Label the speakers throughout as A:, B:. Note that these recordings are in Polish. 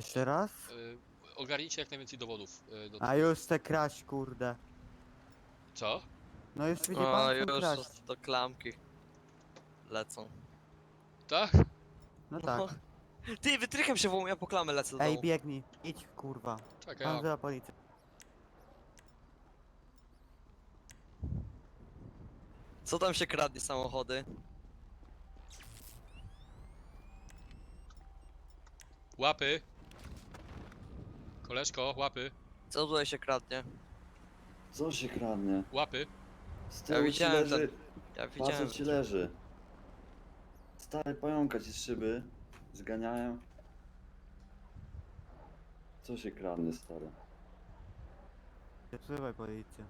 A: Jeszcze raz?
B: Ogarnijcie jak najwięcej dowodów.
A: A już chcę kraść, kurde.
B: Co?
A: No już widzi
C: O,
A: pan, chcę
C: już
A: kraść.
C: to klamki lecą.
B: Tak?
A: No tak.
C: Ty, wytrychem się wołam, ja po klamę lecę do
A: Ej,
C: domu.
A: biegnij. Idź, kurwa.
B: Czekaj,
A: Pan
B: ja...
A: wzywa policję.
C: Co tam się kradnie samochody?
B: Łapy! Koleżko, łapy,
C: Co tutaj się kradnie?
D: Co się kradnie?
B: łapy.
D: Z
C: Ja
D: tyłu ci
C: widziałem
D: leży,
C: Ja widziałem.
D: facet ci leży. Stary pająka ci z szyby zganiają. Co się kradnie, stary?
A: Wzywaj policję.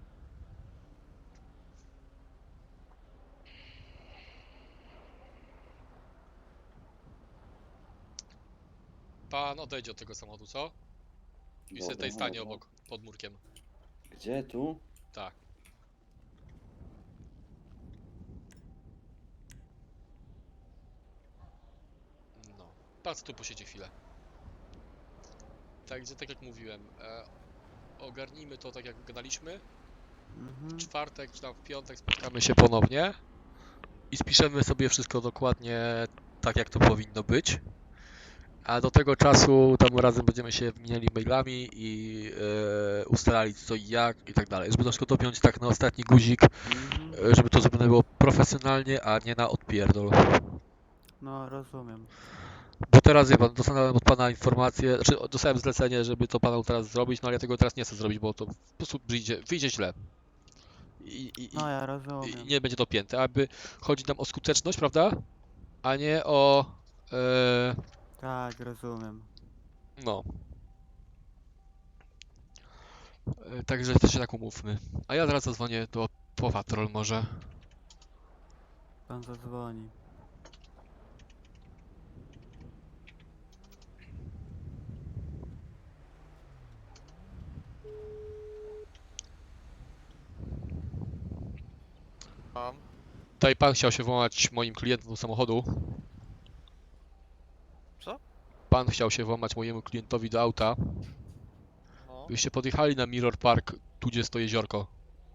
B: Pan odejdzie od tego samochodu, co? I sobie tutaj stanie obok, pod murkiem.
D: Gdzie tu?
B: Tak. No. Pan tu posiedzi chwilę. Także tak jak mówiłem, ogarnijmy to tak jak gadaliśmy. W czwartek czy tam w piątek spotkamy się ponownie i spiszemy sobie wszystko dokładnie tak jak to powinno być. A do tego czasu tam razem będziemy się wymieniali mailami i ustalali co i jak i tak dalej. Żeby to wszystko dopiąć tak na ostatni guzik, żeby to zrobione było profesjonalnie, a nie na odpierdol.
A: No, rozumiem.
B: Bo teraz wie pan, dostałem od pana informację, znaczy dostałem zlecenie, żeby to panu teraz zrobić, no ale ja tego teraz nie chcę zrobić, bo to po prostu wyjdzie źle.
A: No, ja
B: I
A: rozumiem.
B: nie będzie to pięte, aby chodzi nam o skuteczność, prawda? A nie o...
A: Tak, rozumiem.
B: no. Także to się tak umówmy. A ja zaraz zadzwonię do Patrol może.
A: Pan zadzwoni.
C: Mam.
B: Tutaj pan chciał się włamać moim klientom do samochodu.
C: Co?
B: Pan chciał się włamać mojemu klientowi do auta.
C: No.
B: Byście podjechali na Mirror Park, tu gdzie stoi jeziorko.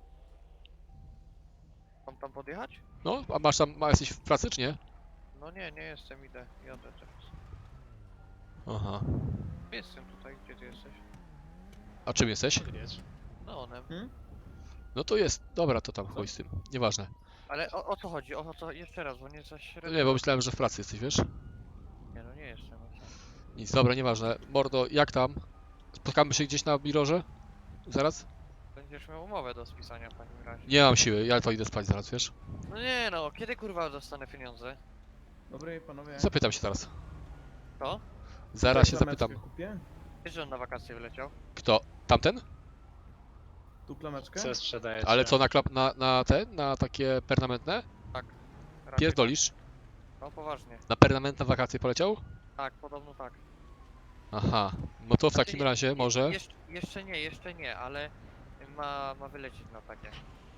C: Mam tam podjechać?
B: No, a masz tam, jesteś w pracy czy nie?
C: No nie, nie jestem, jadę teraz.
B: Aha.
C: Jestem tutaj, gdzie ty jesteś?
B: A czym jesteś?
C: No onem.
B: No to jest, dobra, to tam chuj z tym, nieważne.
C: Ale o co chodzi? O co? Jeszcze raz, bo nie za
B: No
C: średnio.
B: nie, bo myślałem, że w pracy jesteś, wiesz?
C: Nie, no nie jestem.
B: Nic, dobra, nieważne. Mordo, jak tam? Spotkamy się gdzieś na Mirrorze? Zaraz?
C: Będziesz miał umowę do spisania w takim razie.
B: Nie mam siły, ja to idę spać zaraz, wiesz?
C: No nie no, kiedy kurwa dostanę pieniądze?
E: Dobry panowie.
B: Zapytam się teraz.
C: Kto?
B: Zaraz się
E: Klameczkę
B: zapytam.
E: Kupię?
C: Wiesz, że on na wakacje wyleciał?
B: Kto? Tamten?
E: Tu klameczkę?
F: Co sprzedajecie?
B: Ale co, na takie permanentne?
C: Raczej
B: Pierdolisz?
C: tak. No poważnie.
B: Na permanentne wakacje poleciał?
C: Tak, podobno tak.
B: Aha, no to w
C: Znaczy,
B: takim razie może...
C: Jeszcze nie, ale ma wylecieć na takie.